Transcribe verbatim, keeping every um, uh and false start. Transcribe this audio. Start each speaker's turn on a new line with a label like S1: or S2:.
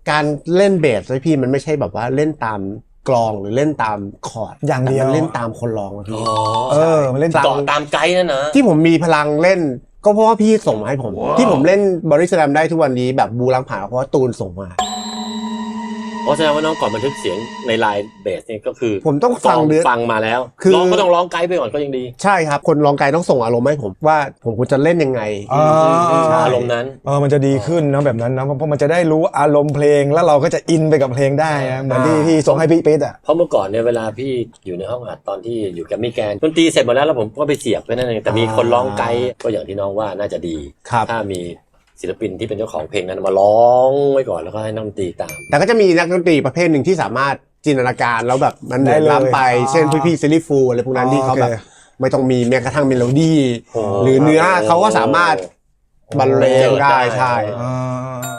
S1: การเล่นเบสเลยพี่มันไม่ใช่แบบว่าเล่นตามกลองหรือเล่นตามคอร์ด
S2: อย่างเดียว
S1: มันเล่นตามคนร้องพี่
S2: เออมันเล่น
S3: เกาะตามไกด์นั่นนะ
S1: ที่ผมมีพลังเล่นก็เพราะว่าพี่ส่งมาให้ผมที่ผมเล่นบริสแลมได้ทุกวันนี้แบบบูรังผ่านเพราะว่าตูนส่งมา
S3: เพราะแสดงว่าน้องก่อนบันทึกเสียงในไลน์เบสเนี่ยก็คือ
S1: ผมต้องฟังเนื้อ
S3: ฟังมาแล้วร้องก็ต้องร้องไกด์ไปก่อนก็ยังดี
S1: ใช่ครับคนร้องไกด์ต้องส่งอารมณ์ให้ผมว่าผมควรจะเล่นยังไง
S3: อารมณ์นั้น
S2: เออมันจะดีขึ้นนะแบบนั้นนะเพราะมันจะได้รู้อารมณ์เพลงแล้วเราก็จะอินไปกับเพลงได้นะเหมือนที่พี่ส่งให้พี่ปิ๊ดอ่ะ
S3: เพราะเมื่อก่อนเนี่ยเวลาพี่อยู่ในห้องอัดตอนที่อยู่กับมิแกนดนตรีเสร็จหมดแล้วแล้วผมก็ไปเสียบไว้นั่นเองแต่มีคนร้องไกด์ก็อย่างที่น้องว่าน่าจะดีถ้ามีศิลปินที่เป็นเจ้าของเพลงนั้นมาร้องไว้ก่อนแล้วก็ให้นักดนตรีตาม
S1: แต่ก็จะมีนักดนตรีประเภทหนึ่งที่สามารถจินตนาการแล้วแบบมันเหมือนล้ำไปเช่นพี่พี่ซิลลี่ฟูอะไรพวกนั้นที่เขาแบบไม่ต้องมีแม้กระทั่งเมโลดี้หรือเนื้อเขาก็สามารถบรรเลงได้ใช่